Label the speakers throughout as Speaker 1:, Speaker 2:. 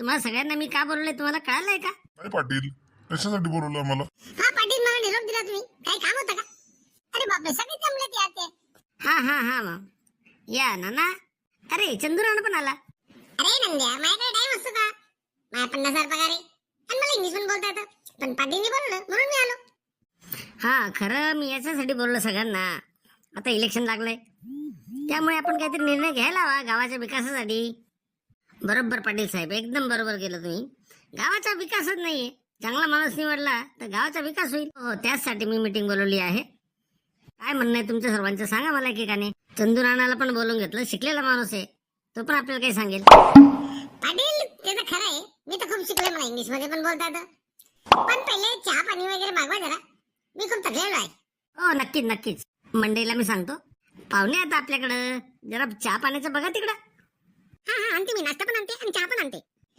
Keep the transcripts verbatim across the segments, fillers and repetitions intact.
Speaker 1: तुम्हाला सगळ्यांना मी का बोलवलंय तुम्हाला कळालंय का?
Speaker 2: काय पाटील, कशासाठी बोलवलं मला?
Speaker 3: हा पाटील, मला निरोप दिला तुम्ही, काही काम होतं का? अरे बापरे, सगळे जमले ते आते.
Speaker 1: हा हा हा मग या नाना. अरे चंदुराणा पण आला.
Speaker 3: अरे नंद्या, माझ्याकडे टाइम असतो का? माझ्या पन्नास हजार पगार आहे आणि मला इंग्लिश पण बोलता येतं, पण पाटीलने बोलवलं म्हणून मी आलो.
Speaker 1: हा खरं मी याच्यासाठी बोललो सगळ्यांना, आता इलेक्शन लागलंय त्यामुळे आपण काहीतरी निर्णय घ्यायला हवा गावाच्या विकासासाठी. बरोबर पाटील साहेब, एकदम बरोबर केलं तुम्ही. गावाचा विकासच नाहीये, चांगला माणूस निवडला तर गावाचा विकास होईल. हो, त्याचसाठी मी मीटिंग बोलवली आहे. काय म्हणणं आहे तुमच्या सर्वांचं सांगा मला एकेकाने. चंदू नानाला पण बोलून घेतलं, शिकलेला माणूस आहे, तो पण आपल्याला काही सांगेल.
Speaker 3: पाटील ते तर खरं आहे, मी तर खूप शिकले, मला इंग्लिश मध्ये पण बोलता येतं. पण पहिले चहा पाणी वगैरे मागवा जरा, मी खूप थकलेलो आहे.
Speaker 1: हो नक्कीच नक्कीच, मंडईला मी सांगतो. पाहुणे आता आपल्याकडं, जरा चहा पाण्याचं बघा तिकडं.
Speaker 3: हा हा आणते, मी नाश्ता पण आणते आणि चहा पण आणते.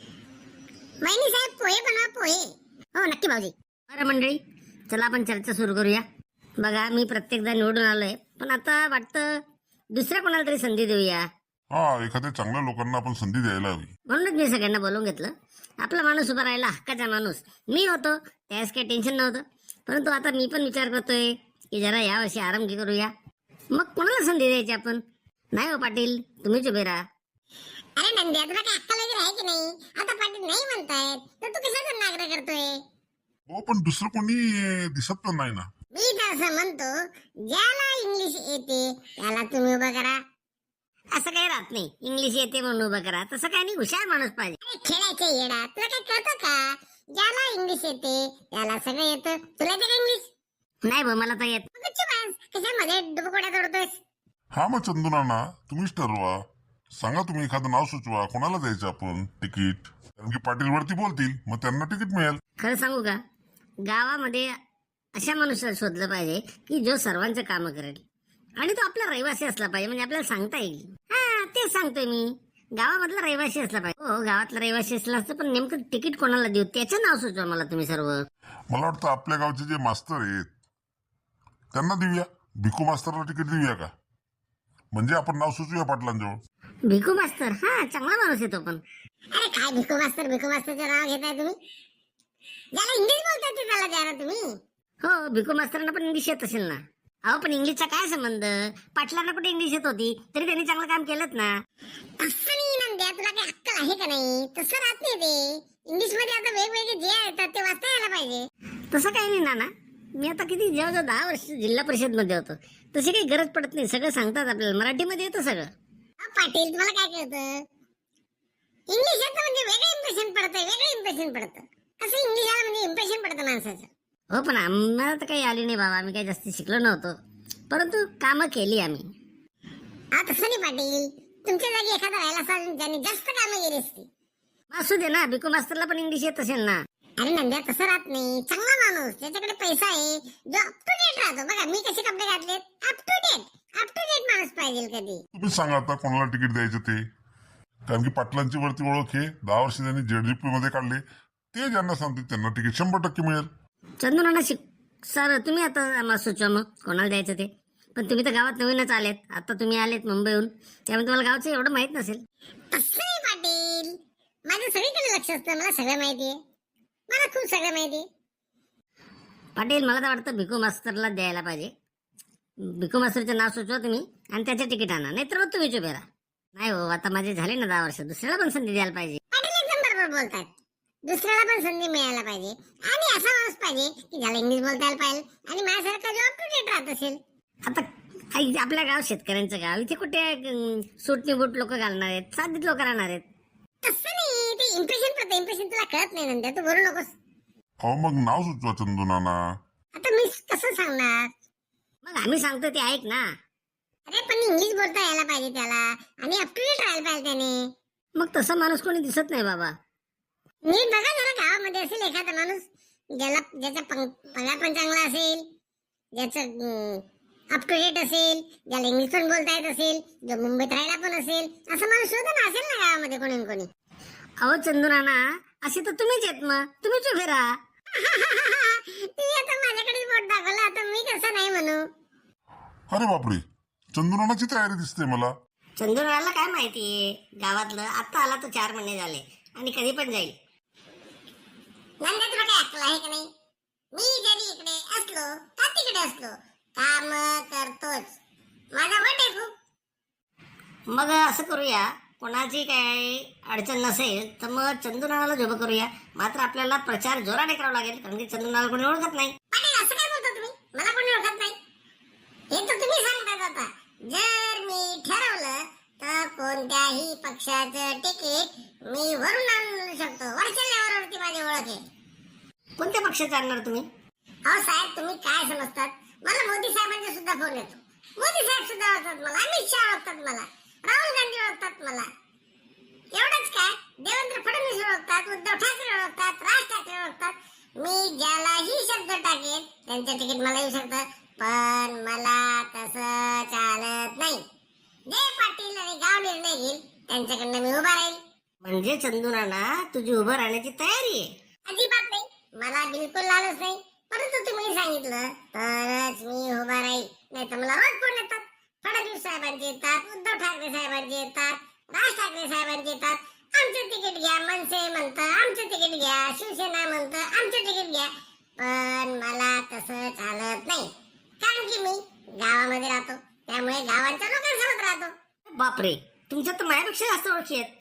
Speaker 3: वहिनी साहेब, पोहे बनवा, पोहे. हो नक्की भाऊजी.
Speaker 1: बरं मंडळी, चला आपण चर्चा सुरू करूया. बघा मी प्रत्येकदा निवडून आलोय, पण आता वाटतं दुसऱ्या कोणाला तरी संधी देऊया.
Speaker 2: हा, एखाद्या चांगल्या लोकांना आपण संधी द्यायला हवी.
Speaker 1: म्हणूनच मी सगळ्यांना बोलवून घेतलं. आपला माणूस उभा राहिला, हक्काचा माणूस मी होतो, त्यास काही टेन्शन नव्हतं. परंतु आता मी पण विचार करतोय की जरा यावर्षी आरामगी करूया. मग कोणाला संधी द्यायची आपण? नाही हो पाटील, तुम्हीच उभे राहा.
Speaker 3: अरे नंद्या, तुला काय अक्कल वगैरे आहे की नाही? आता पाटील नाही म्हणतायत तर तू कशाचा नाग्र करतोय?
Speaker 2: हो, पण दुसरं कोणी दिसत पण नाही ना.
Speaker 3: मी तर असं म्हणतो, ज्याला इंग्लिश येते त्याला तुम्ही उभं करा.
Speaker 1: असं काही राहत नाही, इंग्लिश येते म्हणून उभं करा, तसं काही नाही, हुशार माणूस पाहिजे.
Speaker 3: अरे खेळायचे येडा, तुला काय कळतं का? ज्याला इंग्लिश येते त्याला सगळं येतं. तुला येतं का इंग्लिश?
Speaker 1: नाही बा, मला तर येत.
Speaker 3: मग गच्ची बस, कशामध्ये डुबकोड्या तोडतोयस?
Speaker 2: हा मग चंदू नाना, तुम्हीच ठरवा. सांगा तुम्ही एखादं नाव सुचवा, कोणाला द्यायचं आपण तिकीट. कारण की पाटील वरती बोलतील, मग त्यांना तिकीट मिळेल.
Speaker 1: खरं सांगू का, गावामध्ये अशा मनुष्याला शोधलं पाहिजे की जो सर्वांचं काम करेल आणि तो आपला रहिवासी असला पाहिजे, म्हणजे आपल्याला सांगता येईल. हा तेच सांगतोय मी, गावामधला रहिवासी असला पाहिजे. हो, गावातला रहिवासी असला असतं, पण नेमकं तिकीट कोणाला देऊ त्याचं नाव सुचवा मला तुम्ही सर्व.
Speaker 2: मला वाटतं आपल्या गावचे जे मास्तर आहेत त्यांना देऊया. भिकू मास्तरला तिकीट देऊया का? म्हणजे आपण नाव सुचवूया पाटलांजवळ.
Speaker 1: भिकू मास्तर, हा चांगला माणूस आहे तो पण.
Speaker 3: अरे काय भिकू मास्तर, भिकू मास्तरचं नाव घेताय तुम्ही? ज्याला इंग्लिश बोलताय ते त्याला द्या ना तुम्ही.
Speaker 1: हो, भिकू मास्तरांना पण इंग्लिश येत असेल ना. अहो पण इंग्लिशचा काय संबंध? पाटलांना कुठे इंग्लिश येत होती, तरी त्यांनी चांगलं काम केलंच ना.
Speaker 3: तसं नाही नंद्या, तुला काही अक्कल आहे का नाही? तसं राहत नाही ते. इंग्लिश मध्ये आता वेगवेगळे जे येतात ते वाचता यायला पाहिजे.
Speaker 1: तसं काही नाही नाना, मी आता किती जवळजवळ दहा वर्ष जिल्हा परिषद मध्ये होतो, तशी काही गरज पडत नाही. सगळं सांगतात आपल्याला, मराठीमध्ये येतं सगळं.
Speaker 3: अहो, पाटील तुम्हाला काय कळतं? इंग्लिश येतं म्हणजे वेगळं इम्प्रेशन पडतं, वेगळं इम्प्रेशन पडतं. असं इंग्लिश आलं म्हणजे इम्प्रेशन पडतं माणसाचं.
Speaker 1: हो पण आम्हाला तर काही आली नाही बाबा, आम्ही काही जास्त शिकलो नव्हतो, परंतु कामं केली आम्ही.
Speaker 3: हा तसं नाही पाटील, तुमच्या जागी एखादा राहिला असाल ज्याने जास्त कामं केली असती.
Speaker 1: असू दे ना, भिकू मास्तरला पण इंग्लिश येत असेल ना.
Speaker 3: अरे नंद्या, तसं राहत नाही. चांगला माणूस ज्याच्याकडे पैसा आहे, जो अप टू डेट राहतो. बघा मी कसे कपडे घातलेत, up to date. Up to date माणूस पाहिजे कधी.
Speaker 2: तुम्ही सांगा आता कोणाला तिकीट द्यायचं ते. कारण की पाटलांची वरती ओळख आहे, दहा वर्ष त्यांनी जेडजीपी मध्ये काढले, ते ज्यांना सांगतील त्यांना तिकीट शंभर टक्के मिळेल.
Speaker 1: चंदू नाना शिक सर, तुम्ही आता आम्हाला सुचवा मग कोणाला द्यायचं ते. पण तुम्ही तर गावात नवीनच आलेत, आता तुम्ही आलेत मुंबईहून, त्यामुळे तुम्हाला गावचं एवढं माहित नसेल.
Speaker 3: तसं नाही पाटील, माझं सगळीकडे लक्ष असतं, मला सगळं माहितीये. मला खूप सगळं माहितीये.
Speaker 1: पाटील मला तर वाटतं भिकू मास्तरला द्यायला पाहिजे. भिकू मास्तरचं नाव सुचवा तुम्ही आणि त्याचं तिकीट आणा, नाहीतर मग तुम्ही चुप राहा. नाही हो, आता माझे झाले ना दहा वर्ष, दुसऱ्याला पण संधी द्यायला पाहिजे.
Speaker 3: पाटील एकदम बरोबर बोलतात. दुसऱ्याला पण संधी मिळायला पाहिजे आणि असा माणूस पाहिजे की ज्याला इंग्लिश बोलता यायला पाहिजे आणि माझ्यासारखा जो अप टू डेट राहत असेल.
Speaker 1: आता आई, आपल्या गाव शेतकऱ्यांचं गाव, इथे कुठे अं, सुटणी बूट लोक घालणार आहेत, साधीत लोक राहणार आहेत.
Speaker 3: तसं नाही, ते इम्प्रेशन पडतं. इम्प्रेशन तुला कळत नाही नंतर, तू बोलू नकोस.
Speaker 2: हो मग नाव सुचवा चंदू नाना.
Speaker 3: आता मी कसं सांगणार?
Speaker 1: मग आम्ही सांगतो ते ऐक ना.
Speaker 3: अरे पण इंग्लिश बोलता यायला पाहिजे त्याला आणि अप टू डेट राहायला पाहिजे त्याने.
Speaker 1: मग तसा माणूस कोणी दिसत नाही बाबा.
Speaker 3: नीट बघा जरा, गावामध्ये असेल एखादा माणूस ज्याला ज्याचा पगार पण चांगला असेल, ज्याचं अप टू डेट असेल, ज्याला इंग्लिश पण बोलता येत असेल, जो मुंबईत राहायला पण असेल, असं माणूस शोधा ना, असेल ना गावामध्ये कोणी ना कोणी.
Speaker 1: अहो चंदू नाना, असे तर तुम्हीच येत, मग तुम्हीच उभे राहा.
Speaker 3: तुम्ही आता माझ्याकडे बोट दाखवलं, आता मी कसं नाही म्हणू?
Speaker 2: अरे बापरे, चंदू नानाची तयारी दिसते मला.
Speaker 1: चंदू नानाला काय माहितीये गावातलं, आता आला तर चार महिने झाले, आणि कधी पण जाईल.
Speaker 3: नंदा तुला काय अक्कल आहे का नाही? मी जरी इकडे असलो का तिकडे असलो काम करतोच. माझा वट आहे खूप.
Speaker 1: मग असं करूया, कोणाची काय अडचण नसेल तर मग चंदूनाला झोप करूया. मात्र आपल्याला प्रचार जोराने करावा लागेल, कारण की चंदूनाला कोणी ओळखत नाही.
Speaker 3: पाटील असं काय बोलतो तुम्ही? मला कोणी ओळखत नाही हे तर तुम्ही सांगतात. आता जर मी ठरवलं तर कोणत्याही पक्षाचं तिकीट मी वरून आणू शकतो. वरच्या लेवलवरती माझी ओळख आहे.
Speaker 1: कोणत्या पक्षाचे आणणार तुम्ही?
Speaker 3: अहो साहेब, तुम्ही काय समजतात? मला मोदी साहेबांचा सुद्धा फोन येतो. मोदी साहेब सुद्धा ओळखतात मला, अमित शहा ओळखतात मला, राहुल गांधी ओळखतात मला. एवढंच काय, देवेंद्र फडणवीस ओळखतात, उद्धव ठाकरे ओळखतात, राज ठाकरे ओळखतात. मी ज्यालाही शब्द टाकेन त्यांचं तिकीट मला येऊ शकतं, पण मला तसं चालत नाही. जे पाटील आणि गाव निर्णय घेईल त्यांच्याकडनं मी उभा राहील.
Speaker 1: म्हणजे चंदूनाना तुझी उभं राहण्याची तयारी आहे?
Speaker 3: अजिबात नाही, मला बिलकुल लालच नाही. परंतु तुम्ही सांगितलं तरच मी उभा राहील, नाही तर मला रोज फोन येतात. फडणवीस साहेबांचे येतात, उद्धव ठाकरे साहेबांचे येतात, राज ठाकरे साहेबांचे येतात. आमचं तिकीट घ्या, मनसे म्हणतं आमचं तिकीट घ्या, शिवसेना म्हणतं आमचं तिकीट घ्या. पण मला तसं चालत नाही, कारण की मी गावामध्ये राहतो, त्यामुळे गावांच्या लोकांसोबत राहतो.
Speaker 1: बापरे, तुमच्या तर माझ्यापेक्षा जास्त ओळखी आहेत.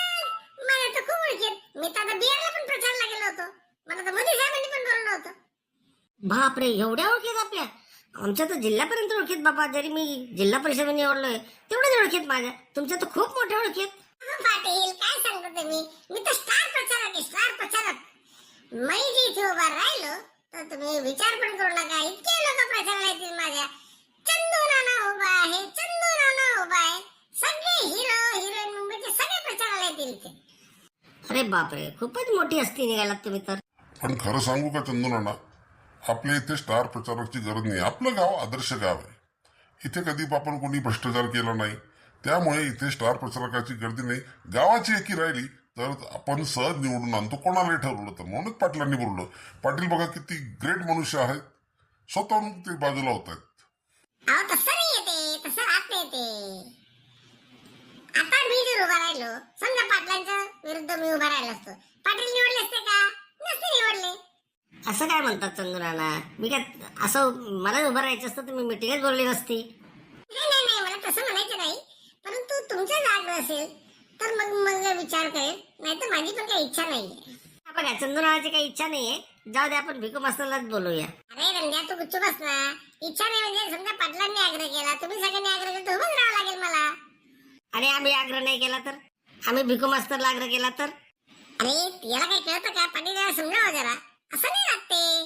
Speaker 3: मला तर खूप ओळखेत. मी तर आता बिहारला पण प्रचारला गेलो होतो. मला तर मोदी साहेबांनी पण बोलवलं होतं.
Speaker 1: बापरे, एवढ्या ओळखीत आपल्या? आमच्या तर जिल्ह्यापर्यंत ओळखीत बाबा. जरी मी जिल्हा परिषदेने निवडलोय तेवढ्याच ओळखीत माझ्या. तुमच्या तर खूप मोठ्या ओळखीत.
Speaker 3: अहो पाटील, काय सांगतो तुम्ही? मी तर स्टार प्रचारक आहे, स्टार प्रचारक. मी जे इथे उभा राहिलो तर तुम्ही विचार पण करू नका, इतके लोक प्रचाराला येतील माझ्या. चंदू नाना उभा आहे, चंदू नाना उभा आहे. सगळे हिरो हिरोईन मुंबईचे सगळे प्रचाराला येतील इथे.
Speaker 1: अरे बापरे, खूपच मोठी हस्ती निघालात तुम्ही तर.
Speaker 2: पण खरं सांगू का चंदूनाना, आपल्या इथे स्टार प्रचारकची गरज नाही. आपलं गाव आदर्श गाव आहे. इथे कधी आपण कोणी भ्रष्टाचार केला नाही, त्यामुळे इथे स्टार प्रचारकाची गर्दी नाही. गावाची एकी राहिली तर आपण सहज निवडून आणतो, कोणालाही ठरवलं तर. म्हणूनच पाटलांनी बोललो. पाटील बघा किती ग्रेट मनुष्य आहेत, स्वतःहून ते बाजूला होत आहेत.
Speaker 3: अहो तसं नाही येते, तसं राहत नाही ते. आता मी जर उभा राहिलो, समजा पाटलांच्या विरुद्ध मी उभा राहिलो असतो, पाटील निवडले असते का? नसते निवडले.
Speaker 1: असं काय म्हणतात चंदूनाना? मी काय असं मला उभं राहायचं असतं तर मी मिटिंगच बोलली नसती.
Speaker 3: नाही नाही नाही, मला तसं म्हणायचं नाही. परंतु तुमच्या जाग असेल तर मग मग विचार करेल, नाही तर माझी पण काही इच्छा नाहीये.
Speaker 1: बघा, चंदूनाची काही इच्छा नाहीये. जाऊ दे, आपण भिकू मास्तरलाच बोलूया.
Speaker 3: अरे रंग्या, तू गुच्चू बस ना. इच्छा नाही म्हणजे समजा पाटलांनी आग्रह केला, तुम्ही सगळ्यांनी आग्रह केला तर उभंच राहावं लागेल मला.
Speaker 1: आणि आम्ही आग्रह नाही केला तर? आम्ही भिकू मास्तरला आग्रह केला तर?
Speaker 3: अरे याला काही कळतं का? पाटील याला समजावं जरा. असं नाही लागते.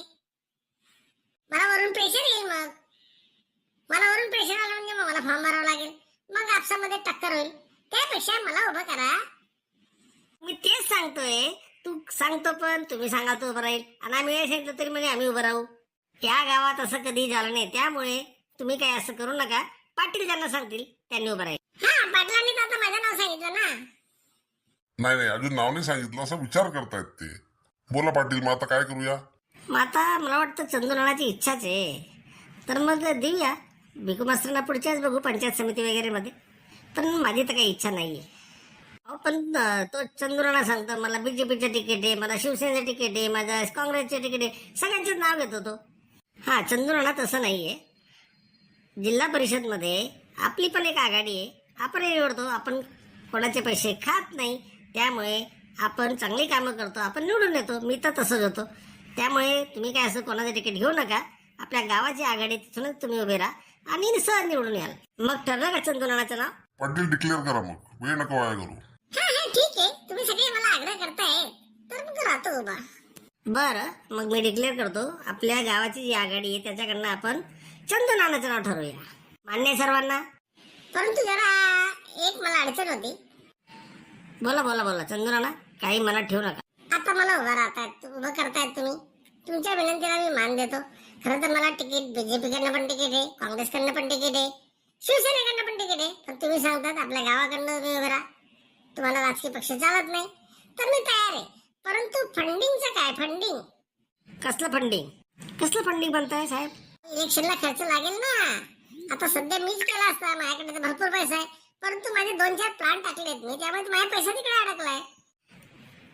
Speaker 3: मला वरून प्रेशर येईल. मग मला वरून प्रेशर आलं म्हणजे मग मला फॉर्म भरावा लागेल, मग आपसामध्ये टक्कर होईल. त्यापेक्षा मला उभं करा.
Speaker 1: मी तेच सांगतोय. तू सांगतो पण तुम्ही सांगा तो उभं राहील, आणि आम्ही हे सांगितलं तरी म्हणजे आम्ही उभं राहू. त्या गावात असं कधी झालं नाही, त्यामुळे तुम्ही काय असं करू नका. पाटील ज्यांना सांगतील त्यांनी उभं राहील.
Speaker 3: हा, पाटलांनी तर आता माझं नाव सांगितलं ना.
Speaker 2: नाही नाही, अजून नाव नाही सांगितलं, असा विचार करतायत ते. बोला पाटील, मग आता काय करूया?
Speaker 1: मग आता मला वाटतं चंदूनाची इच्छाच आहे, तर मग देऊया भिकू मास्तरांना. पुढच्याच बघू पंचायत समिती वगैरे मध्ये. पण माझी तर काही इच्छा नाहीये. अहो पण अं, तो चंदूनाना सांगतो मला बीजेपीचं तिकीट आहे, मला शिवसेनेचं तिकीट आहे, माझं काँग्रेसचे तिकीट आहे, सगळ्यांचंच नाव घेतो तो. हा, चंदूनाना तसं नाहीये. जिल्हा परिषद मध्ये आपली पण एक आघाडी आहे. आपण निवडतो, आपण कोणाचे पैसे खात नाही, त्यामुळे आपण चांगली कामं करतो, आपण निवडून येतो. मी तर तसंच होतो. त्यामुळे तुम्ही काय असं कोणाचं तिकीट घेऊ नका. आपल्या गावाची आघाडी, तिथूनच तुम्ही उभे राहा आणि सहज निवडून याल. मग ठरलं का चंदूनानाचं नाव?
Speaker 2: पाटील डिक्लेअर करा, मग वेळ नको वाया करू.
Speaker 3: हा हा, ठीक आहे. तुम्ही सगळे मला आग्रह करताय तर मग राहतो उभा.
Speaker 1: बरं, मग मी डिक्लेअर करतो. आपल्या गावाची जी आघाडी आहे त्याच्याकडनं आपण चंदूनानाचं नाव ठरवूया. मान्य आहे सर्वांना?
Speaker 3: परंतु जरा एक मला अडचण होती.
Speaker 1: बोला बोला बोला चंदूनाना, काही मनात ठेवू नका.
Speaker 3: आता मला उभा राहतायत, उभं करतायत तुम्ही. तुमच्या विनंतीला मी मान देतो. खरं तर मला तिकीट बीजेपीकडनं पण तिकीट आहे, काँग्रेसकडनं पण तिकीट आहे, शिवसेनेकडनं पण तिकीट आहे. पण तुम्ही सांगतात आपल्या गावाकडनं तुम्ही उभे राहा, तुम्हाला राजकीय पक्ष चालत नाही, तर मी तयार आहे. परंतु फंडिंगचं काय? फंडिंग
Speaker 1: कसलं फंडिंग? कसलं फंडिंग म्हणताय साहेब?
Speaker 3: इलेक्शनला खर्च लागेल ना. आता सध्या मीच केला असता, माझ्याकडे तर भरपूर पैसा आहे. परंतु माझे दोन चार प्लांट टाकलेत मी, त्यामुळे माझा पैसा तिकडे अडकलाय.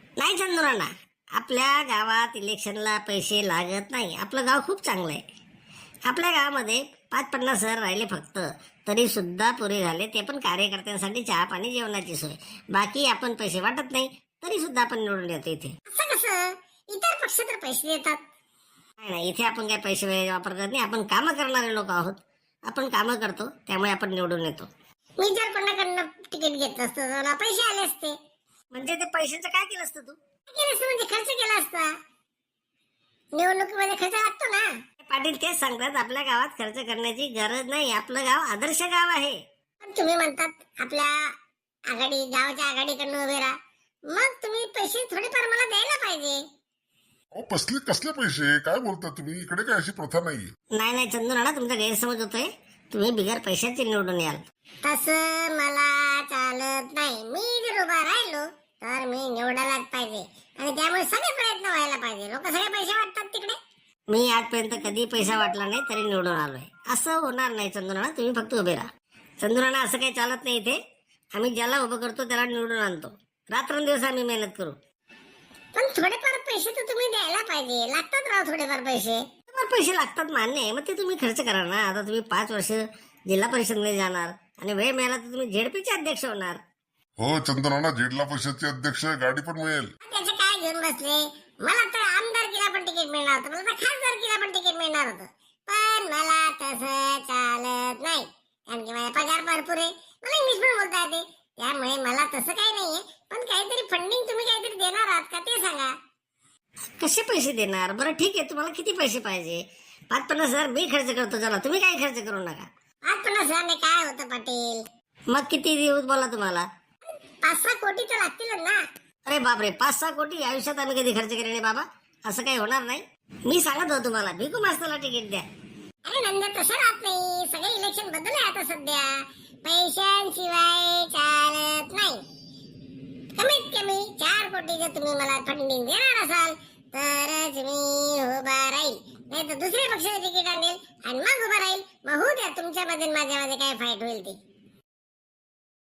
Speaker 1: नाही चंदुराना, आपल्या गावात इलेक्शनला पैसे लागत नाही. आपलं गाव खूप चांगलं आहे. आपल्या गावामध्ये पाच पन्नास हजार राहिले फक्त, तरी सुद्धा पुरे झाले. ते पण कार्यकर्त्यांसाठी चहा पाणी जेवणाची सोय. बाकी आपण पैसे वाटत नाही तरी सुद्धा आपण निवडून येतो इथे.
Speaker 3: असं कसं? इतर पक्ष तर पैसे देतात.
Speaker 1: नाही नाही, इथे आपण काय पैसे वगैरे वापर करत नाही. आपण कामं करणारे लोक आहोत. आपण कामं करतो त्यामुळे आपण निवडून येतो.
Speaker 3: मी जर कोणाकडनं तिकीट घेतलं असतं तर मला पैसे आले असते.
Speaker 1: म्हणजे ते पैशाचं काय केलं असतं तू?
Speaker 3: काय केलं असतं म्हणजे खर्च केला असता. निवडणुकीमध्ये खर्च लागतो ना.
Speaker 1: पाटील तेच सांगतात, आपल्या गावात खर्च करण्याची गरज नाही. आपलं गाव आदर्श गाव आहे.
Speaker 3: पण तुम्ही म्हणतात आपल्या आघाडी गावाच्या आघाडीकडनं उभे राहा. मग तुम्ही पैसे थोडेफार मला द्यायला पाहिजे.
Speaker 2: अहो कसले कसले पैसे काय बोलता तुम्ही? इकडे काय अशी प्रथा नाहीये.
Speaker 1: नाही नाही चंदुराना, तुमचा गैरसमज होतोय. तुम्ही बिगर पैशाचे निवडून याल.
Speaker 3: तसं मला चालत नाही. मी जर उभा राहिलो तर मी निवडायलाच पाहिजे आणि त्यामुळे सगळे प्रयत्न व्हायला पाहिजे. लोक सगळे पैसे वाटतात तिकडे.
Speaker 1: मी आजपर्यंत कधी पैसा वाटला नाही तरी निवडून आलोय. असं होणार नाही चंदुराना, तुम्ही फक्त उभे राहा. चंदुराना, असं काही चालत नाही इथे. आम्ही ज्याला उभं करतो त्याला निवडून आणतो. रात्रंदिवस आम्ही मेहनत करू.
Speaker 3: पण थोडेफार पैसे तर तुम्ही द्यायला पाहिजे. लागतात राव थोडेफार पैसे.
Speaker 1: तुम्हाला पैसे लागतात मान्य आहे, मग ते तुम्ही खर्च करा ना. आता तुम्ही पाच वर्ष जिल्हा परिषदमध्ये जाणार आणि वेळ मिळाला तर तुम्ही झेडपीचे अध्यक्ष होणार.
Speaker 2: हो चंद्रनाना, जिल्हा परिषदचे अध्यक्ष, गाडी पण मिळेल.
Speaker 3: त्याचे काय घेऊन बसले? मला तर आमदारकीला पण तिकीट मिळणार होतं. मला तर खासदारकीला पण तिकीट मिळणार होतं. पण मला तसं चालत नाही, कारण की माझा पगार भरपूर आहे. मला इंग्लिश पण बोलता येते. त्यामुळे मला तसं काही नाहीये. पण काहीतरी फंडिंग तुम्ही काहीतरी देणार आहात का ते सांगा.
Speaker 1: कसे पैसे देणार? बरं ठीक आहे, तुम्हाला किती पैसे पाहिजे? पाच पन्नास हजार मी खर्च करतो, चला तुम्ही काही खर्च करू नका.
Speaker 3: आज पन्नास हजारने काय होतं पाटील?
Speaker 1: मग किती देऊ बोला तुम्हाला?
Speaker 3: पाच सहा कोटी तर लागतीलच ना.
Speaker 1: अरे बापरे, पाच सहा कोटी आयुष्यात आम्ही कधी खर्च केले नाही बाबा. असं काही होणार नाही. मी सांगत होतो तुम्हाला, भिकू मास्तरला तिकीट द्या.
Speaker 3: अरे नंदा, तसं राहत नाही. सगळे इलेक्शन बदलले आता सध्या. पैशांशिवाय चालत नाही. कमीत कमी चार कोटी जर तुम्ही मला फंडिंग देणार असाल तरच मी उभा राहील. नाही तर दुसऱ्या पक्षाचे तिकीट आणेल आणि मग उभा राहील. मग होऊ द्या तुमच्यामध्ये माझ्यामध्ये काय फाईट होईल ती.